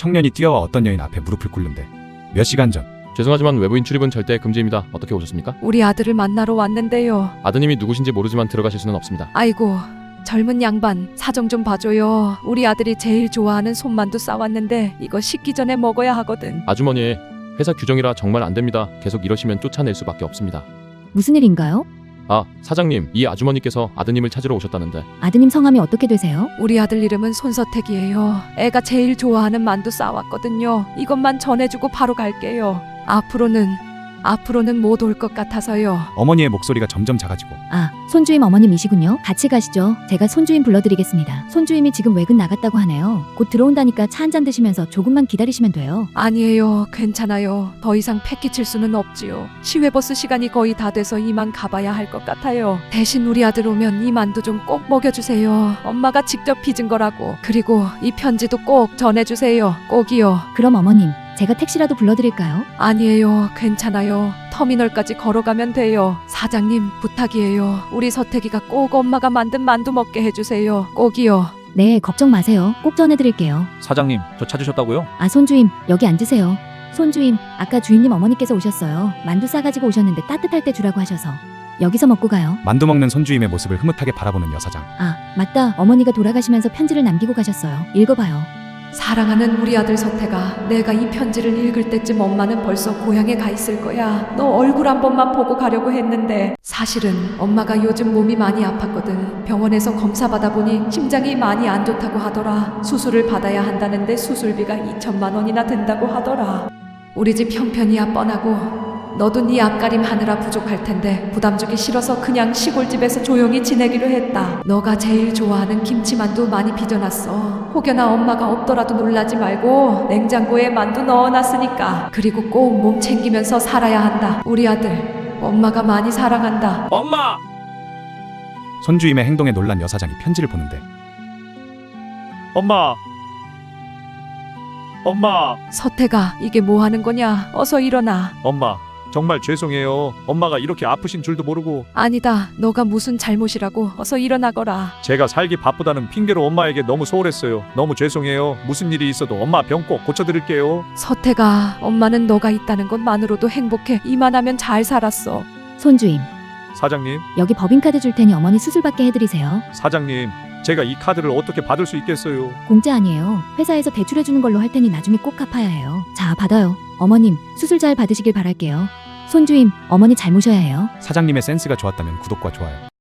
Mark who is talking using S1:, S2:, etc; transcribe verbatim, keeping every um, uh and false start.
S1: 청년이 뛰어와 어떤 여인 앞에 무릎을 꿇는데 몇 시간 전
S2: 죄송하지만 외부인 출입은 절대 금지입니다. 어떻게 오셨습니까?
S3: 우리 아들을 만나러 왔는데요.
S2: 아드님이 누구신지 모르지만 들어가실 수는 없습니다.
S3: 아이고, 젊은 양반 사정 좀 봐줘요. 우리 아들이 제일 좋아하는 손만두 싸왔는데 이거 식기 전에 먹어야 하거든.
S2: 아주머니, 회사 규정이라 정말 안 됩니다. 계속 이러시면 쫓아낼 수밖에 없습니다.
S4: 무슨 일인가요?
S2: 아, 사장님, 이 아주머니께서 아드님을 찾으러 오셨다는데.
S4: 아드님 성함이 어떻게 되세요?
S3: 우리 아들 이름은 손서택이에요. 애가 제일 좋아하는 만두 싸왔거든요. 이것만 전해주고 바로 갈게요. 앞으로는 앞으로는 못 올 것 같아서요.
S1: 어머니의 목소리가 점점 작아지고
S4: 아, 손주임 어머님이시군요. 같이 가시죠. 제가 손주임 불러드리겠습니다. 손주임이 지금 외근 나갔다고 하네요. 곧 들어온다니까 차 한잔 드시면서 조금만 기다리시면 돼요.
S3: 아니에요. 괜찮아요. 더 이상 패 끼칠 수는 없지요. 시외버스 시간이 거의 다 돼서 이만 가봐야 할 것 같아요. 대신 우리 아들 오면 이 만두 좀 꼭 먹여주세요. 엄마가 직접 빚은 거라고. 그리고 이 편지도 꼭 전해주세요. 꼭이요.
S4: 그럼 어머님, 제가 택시라도 불러드릴까요?
S3: 아니에요. 괜찮아요. 터미널까지 걸어가면 돼요. 사장님, 부탁이에요. 우리 서태기가 꼭 엄마가 만든 만두 먹게 해주세요. 꼭이요.
S4: 네, 걱정 마세요. 꼭 전해드릴게요.
S5: 사장님, 저 찾으셨다고요?
S4: 아, 손주임, 여기 앉으세요. 손주임, 아까 주임님 어머니께서 오셨어요. 만두 싸가지고 오셨는데 따뜻할 때 주라고 하셔서. 여기서 먹고 가요.
S1: 만두 먹는 손주임의 모습을 흐뭇하게 바라보는 여사장.
S4: 아, 맞다. 어머니가 돌아가시면서 편지를 남기고 가셨어요. 읽어봐요.
S3: 사랑하는 우리 아들 서태가, 내가 이 편지를 읽을 때쯤 엄마는 벌써 고향에 가 있을 거야. 너 얼굴 한 번만 보고 가려고 했는데 사실은 엄마가 요즘 몸이 많이 아팠거든. 병원에서 검사 받아보니 심장이 많이 안 좋다고 하더라. 수술을 받아야 한다는데 수술비가 이천만 원이나 든다고 하더라. 우리 집 형편이야 뻔하고 너도 네 앞가림 하느라 부족할 텐데 부담 주기 싫어서 그냥 시골집에서 조용히 지내기로 했다. 너가 제일 좋아하는 김치만두 많이 빚어놨어. 혹여나 엄마가 없더라도 놀라지 말고 냉장고에 만두 넣어놨으니까. 그리고 꼭 몸 챙기면서 살아야 한다. 우리 아들, 엄마가 많이 사랑한다.
S5: 엄마!
S1: 손주임의 행동에 놀란 여사장이 편지를 보는데
S5: 엄마! 엄마!
S3: 서태가, 이게 뭐 하는 거냐? 어서 일어나.
S5: 엄마, 정말 죄송해요. 엄마가 이렇게 아프신 줄도 모르고
S3: 아니다. 너가 무슨 잘못이라고. 어서 일어나거라.
S5: 제가 살기 바쁘다는 핑계로 엄마에게 너무 소홀했어요. 너무 죄송해요. 무슨 일이 있어도 엄마 병 꼭 고쳐드릴게요.
S3: 서태가, 엄마는 너가 있다는 것만으로도 행복해. 이만하면 잘 살았어.
S4: 손주임,
S5: 사장님,
S4: 여기 법인카드 줄 테니 어머니 수술받게 해드리세요.
S5: 사장님, 제가 이 카드를 어떻게 받을 수 있겠어요?
S4: 공짜 아니에요. 회사에서 대출해주는 걸로 할 테니 나중에 꼭 갚아야 해요. 자, 받아요. 어머님, 수술 잘 받으시길 바랄게요. 손주임, 어머니 잘 모셔야 해요.
S1: 사장님의 센스가 좋았다면 구독과 좋아요.